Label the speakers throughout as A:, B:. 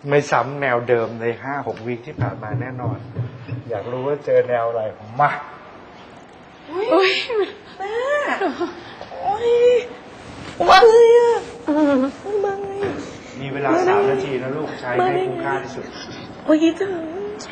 A: ไม่ซ้ำแนวเดิมใน5-6 วีคที่ผ่านมาแน่นอน อยากรู้ว่าเจอแนวอะไรมา
B: อุ้ยแม่โอ้ยมาเลยอ่ะมาเลย
A: มีเวลา3 นาทีนะลูกใช้ให้คุ้มค่าที่สุด
B: โอ้ยถึง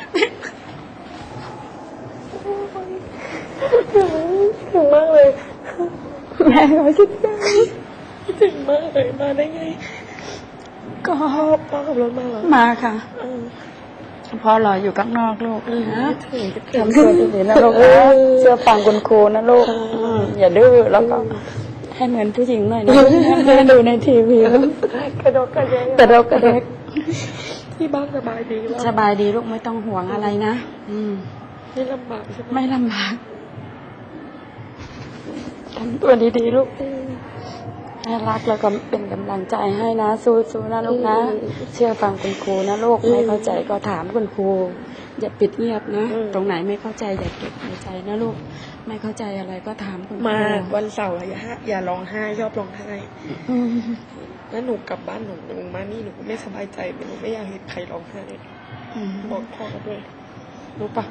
B: ถึงมากเลยแม่ก็คิดถึงมากเลยมาได้ไงก็พ่อขับรถมาเหรอ
C: มาค่ะพ่อรออยู่ข้างนอกลูกนะทำตัวดีๆนะลูกนะเชื่อฟังคุณครูนะลูกอย่าดื้อแล้วก็ให้เหมือนผู้หญิงหน่อยนะแม่ดูในทีวี
B: กระโดดกระเดก
C: กระดกกระเดก
B: ที่บ้านสบายดีแล้ว
C: สบายดีลูกไม่ต้องห่วงอะไรนะ
B: ไม่ลำบากใช่ไหม
C: ไม่ลำบากทำตัวดีๆลูกน่ารักแล้วก็เป็นกำลังใจให้นะสู้ๆนะลูกนะเชื่อฟังคุณครูนะลูกไม่เข้าใจก็ถามคุณครูอย่าปิดเงียบนะตรงไหนไม่เข้าใจอย่าเก็บในใจนะลูกไม่เข้าใจอะไรก็ถามคุณครู
B: มาวันเสาร์อย่าร้องไห้ชอบร้องไห้แล้วหนูกลับบ้านหนูมานี่หนูไม่สบายใจหนูไม่อยากเห็นใครร้องไห้บอกพ่อด้วยรู้ปะ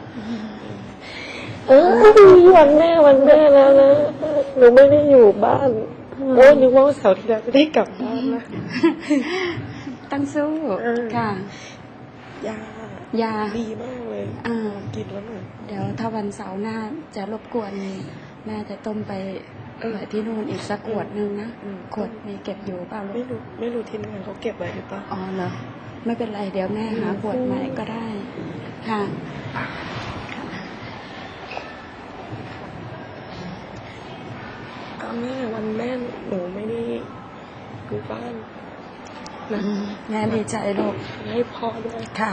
B: วันแม่แล้วนะหนูไม่ได้อยู่บ้านโอ้นึกว่าเสาร์ที่แล้วจะได้กลับบ้านนะ
C: ตั้งสู้ค่ะยา
B: ดีมากเลยกินแล้วหนู
C: เดี๋ยวถ้าวันเสาร์หน้าจะรบกวนแม่จะต้มไปที่นู่นอีกสักขวดนึงนะขวดมีเก็บอยู่เปล่าลูก
B: ไม่รู้ที่นั่นเขาเก็บไว้หรือเปล่า
C: อ๋อเหรอไม่เป็นไรเดี๋ยวแม่หาขวดใหม่ก็ได้ค่ะ
B: แม่วันแม่หนูไม่ได้อยู่บ้าน
C: นะแม่ดีใจลูก
B: ให้พ่อด้วย
C: ค่ะ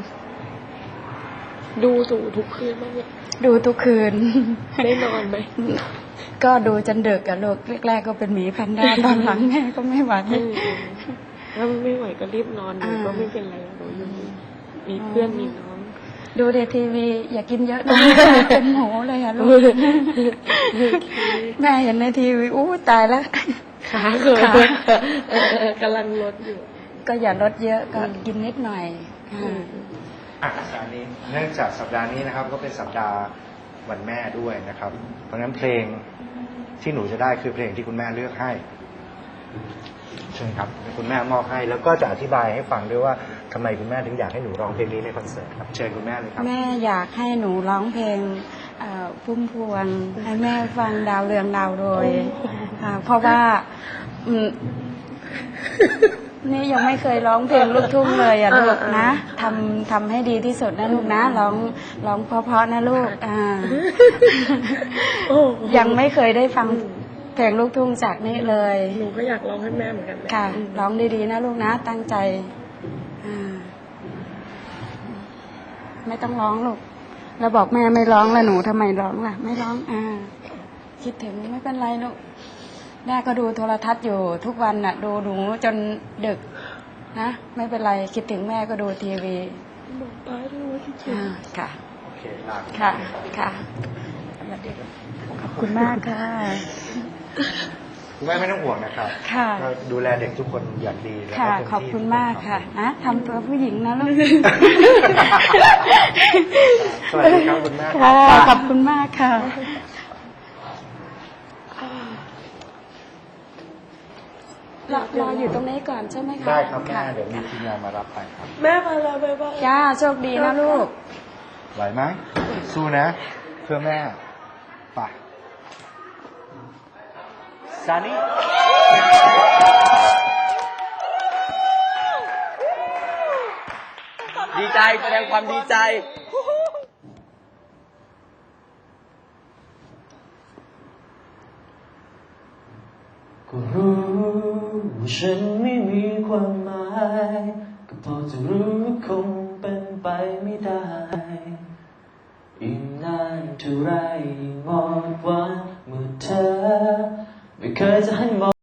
B: ดูทุกคืนบ้างเนี่ย
C: ดูทุกคืน
B: ได้นอนไหม
C: ก็ดูจนดึกอะลูกแรกๆก็เป็นหมีแพนด้าตอนหลังแม่ก็ไม่ไหว
B: ถ้าไม่ไหวก็รีบนอนหนูก็ไม่เป็นไรหนูอยู่มีเพื่อนมีน้อง
C: ดูในทีวีอย่ากินเยอะนะเป็นหมูเลยอะลูกแม่เห็นในทีวีอู้ตายแล้ว
B: ขาเขินกำลังลดอยู่
C: ก็อย่าลดเยอะก็กินนิดหน่อย
A: สัปดาห์นี้เนื่องจากสัปดาห์นี้นะครับก็เป็นสัปดาห์วันแม่ด้วยนะครับเพราะฉะนั้นเพลงที่หนูจะได้คือเพลงที่คุณแม่เลือกให้ใช่ครับคุณแม่มอบให้แล้วก็จะอธิบายให้ฟังด้วยว่าทำไมคุณแม่ถึงอยากให้หนูร้องเพลงนี้ในคอนเสิร์ตครับเชิญคุณแม่เลยครับ
C: แม่อยากให้หนูร้องเพลงพุ่มพวงให้แม่ฟังดาวเรืองดาวโรยเพราะว่านี่ยังไม่เคยร้องเพลงลูกทุ่งเลยอ่ะลูกนะทำให้ดีที่สุดนะลูกนะร้องเพราะๆนะลูกยังไม่เคยได้ฟังเพลงลูกทุ่งจากนี้เลย
B: หนูก็อยากร้องให้แม่เหมือนกัน
C: ค่ะร้องดีๆนะลูกนะตั้งใจไม่ต้องร้องลูกเราบอกแม่ไม่ร้องแล้วหนูทำไมร้องล่ะไม่ร้องคิดถึงไม่เป็นไรลูกแม่ก็ดูโทรทัศน์อยู่ทุกวันน่ะดูหนูจนดึกนะไม่เป็นไรคิดถึงแม่ก็ดูทีวี
B: บอกป้าด้วยว่าคิดถึง
C: ค่ะ
A: โอเคลา
C: ค่ะขอบคุณมากค่ะ
A: คุณแม่ไม่ต้องห่วงนะครับ
C: ค่ะ
A: ดูแลเด็กทุกคนอย่างดีแล้ว
C: ค่ะขอบคุณมากค่ะนะทำตัวผู้หญิงนะลูก
A: สวัสดีครับคุณแม่
C: ค่ะขอบคุณมากค่ะรออยู่ตรงนี้ก่อนใช่ไหมคะ
A: ได้ครับแม่เดี๋ยวมีทีมงานมารับไปครับ
B: แม่มาแล้วบ๊ายบาย
C: จ้าโชคดีนะลูก
A: ไหวไหมสู้นะเพื่อแม่ไปซานี่
D: ดีใจแสดงความดีใจ
E: ก็รู้ว่าฉันไม่มีความหมายก็พอจะรู้ว่าคงเป็นไปไม่ได้อีกนานเท่าไรยิ่งหมดหวังเมื่อเธอไม่เคยจะให้มอง